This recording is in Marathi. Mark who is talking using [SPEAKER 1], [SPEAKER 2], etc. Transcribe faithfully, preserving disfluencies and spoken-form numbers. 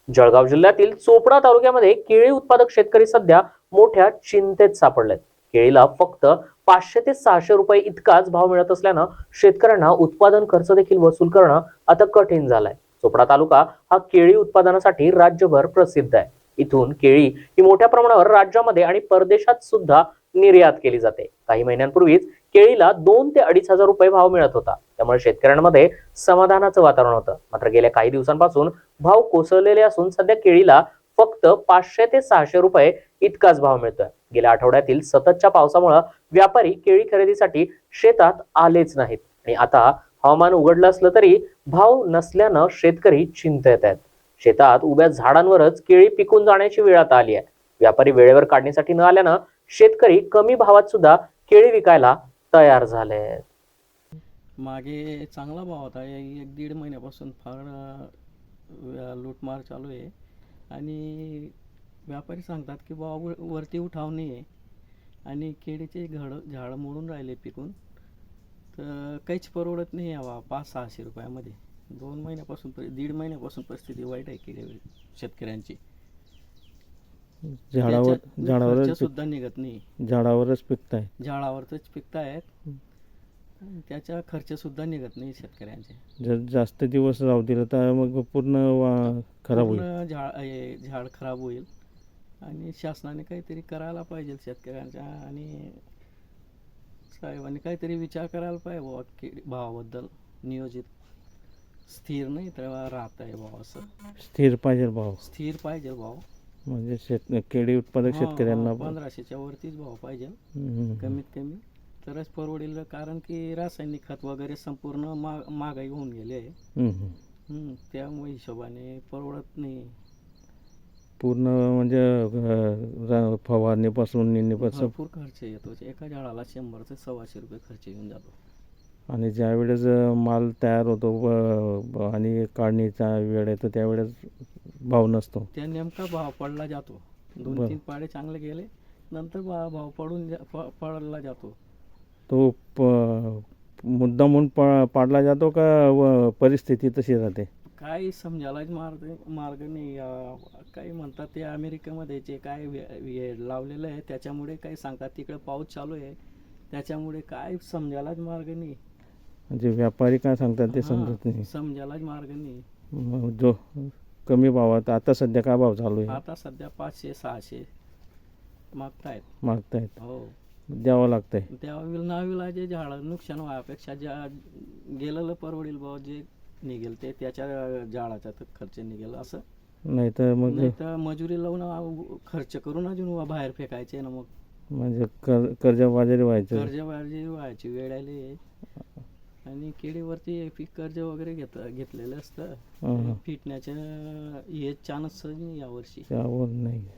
[SPEAKER 1] जळगाव जिल्ह्यातील चोपडा तालुक्यामध्ये केळी उत्पादक शेतकरी सध्या मोठ्या चिंतेत सापडलेत. केळीला फक्त पाचशे ते सहाशे रुपये इतकाच भाव मिळत असल्यानं शेतकऱ्यांना उत्पादन खर्च देखील वसूल करणं आता कठीण झालंय. चोपडा तालुका हा केळी उत्पादनासाठी राज्यभर प्रसिद्ध आहे. इथून केळी ही मोठ्या प्रमाणावर राज्यामध्ये आणि परदेशात सुद्धा निर्यात केली जाते. काही महिन्यांपूर्वीच केळीला दोन ते अडीच हजार रुपये भाव मिळत होता. त्यामुळे शेतकऱ्यांमध्ये समाधानाचं वातावरण होतं. मात्र गेल्या काही दिवसांपासून भाव कोसळलेले असून सध्या केळीला फक्त पाचशे ते सहाशे रुपये इतकाच भाव मिळतोय. गेल्या आठवड्यातील सततच्या पावसामुळे व्यापारी केळी खरेदीसाठी शेतात आलेच नाहीत आणि आता हवामान उघडलं असलं तरी भाव नसल्यानं शेतकरी चिंतेत आहेत. शेतात उभ्या झाडांवरच केळी पिकून जाण्याची वेळ आता आली आहे. व्यापारी वेळेवर काढण्यासाठी न आल्यानं शेतकरी कमी भावात सुद्धा केळी विकायला तयार झाले आहेत.
[SPEAKER 2] मागे चांगला भाव होता. एक दीड महिन्यापासून फार अ, लूटमार चालू आहे आणि व्यापारी सांगतात की भाव वरती उठाव नाही आहे आणि केळीचे घड झाडं मोडून राहिले पिकून, तर काहीच परवडत नाही यावा पाच सहाशे रुपयामध्ये. दोन महिन्यापासून दीड महिन्यापासून परिस्थिती वाईट आहे केळी शेतकऱ्यांची.
[SPEAKER 3] झाडावर झाडावरच
[SPEAKER 2] सुद्धा निघत नाही,
[SPEAKER 3] झाडावरच पिकताय
[SPEAKER 2] झाडावरच पिकतायत. त्याचा खर्च सुद्धा निघत नाही शेतकऱ्यांचे.
[SPEAKER 3] जर जास्त दिवस राहू दिलं तर मग पूर्ण वा- खराब होईल.
[SPEAKER 2] पूर्ण झाड हे झाड खराब होईल आणि शासनाने काहीतरी करायला पाहिजे शेतकऱ्यांच्या, आणि साहेबांनी काहीतरी विचार करायला पाहिजे बुवा की भावाबद्दल. नियोजित स्थिर नाही तर राहत आहे भाव, असं
[SPEAKER 3] स्थिर पाहिजे भाव.
[SPEAKER 2] स्थिर पाहिजे भाव.
[SPEAKER 3] म्हणजे शेत केळी उत्पादक शेतकऱ्यांना
[SPEAKER 2] पंधराशेच्या वरतीच भाव पाहिजे
[SPEAKER 3] हम्म.
[SPEAKER 2] कमीत कमी, तरच परवडेल. कारण की रासायनिक खत वगैरे संपूर्ण महाग महागाई होऊन गेली आहे.
[SPEAKER 3] हम्म.
[SPEAKER 2] हम्म, त्यामुळे हिशोबाने परवडत नाही.
[SPEAKER 3] पूर्ण म्हणजे अं, रा- फवारणीपासून निंदीपासून
[SPEAKER 2] भरपूर खर्च येतो. एका झाडाला शंभर ते सव्वाशे रुपये खर्च येऊन जातो.
[SPEAKER 3] आणि ज्या वेळेस माल तयार होतो व- ब- आणि काढणीचा वेळ येतो त्यावेळेस भाव नसतो.
[SPEAKER 2] त्या नेमका भाव पडला जातो. दोन
[SPEAKER 3] बरं.
[SPEAKER 2] तीन पाडे चांगले गेले नंतर भा- भाव पडून जा- प- पडला जातो.
[SPEAKER 3] तो प मुद्दामून प पाडला जातो का व परिस्थिती तशी राहते?
[SPEAKER 2] काही समजायलाच मार्ग मार्ग नाही. अं, काही म्हणतात ते अमेरिकेमध्ये जे काय वे- वे- लावलेलं आहे त्याच्यामुळे काही सांगतात तिकडे पाऊस चालू आहे त्याच्यामुळे काय समजायलाच मार्ग नाही.
[SPEAKER 3] म्हणजे व्यापारी काय सांगतात ते
[SPEAKER 2] हां,
[SPEAKER 3] समजत नाही.
[SPEAKER 2] समजायलाच मार्ग नाही.
[SPEAKER 3] मग जो कमी भावात आता सध्या काय भाव चालू आहे?
[SPEAKER 2] आता सध्या पाचशे सहाशे मागतायत.
[SPEAKER 3] मागतायत,
[SPEAKER 2] हो,
[SPEAKER 3] द्यावं लागतंय.
[SPEAKER 2] त्या नाविलाजे झाडं नुकसान व्हायपेक्षा ज्या गेलेलं परवडेल भाव, जे निघेल ते त्याच्या झाडाचा तर खर्च निघेल, असं
[SPEAKER 3] नाही तर मग
[SPEAKER 2] नाही तर मजुरी लावून आ- खर्च करून अजून बाहेर फेकायचे ना. मग
[SPEAKER 3] म्हणजे कर कर्जबाजारी व्हायचं.
[SPEAKER 2] कर्जबाजी व्हायची वेळ आली आहे. आणि केळीवरती पीक कर्ज वगैरे घेत घेतलेलं असतं.
[SPEAKER 3] हां, हां.
[SPEAKER 2] फिटण्याचं हे चान्स नाही यावर्षी.
[SPEAKER 3] त्यावर नाही.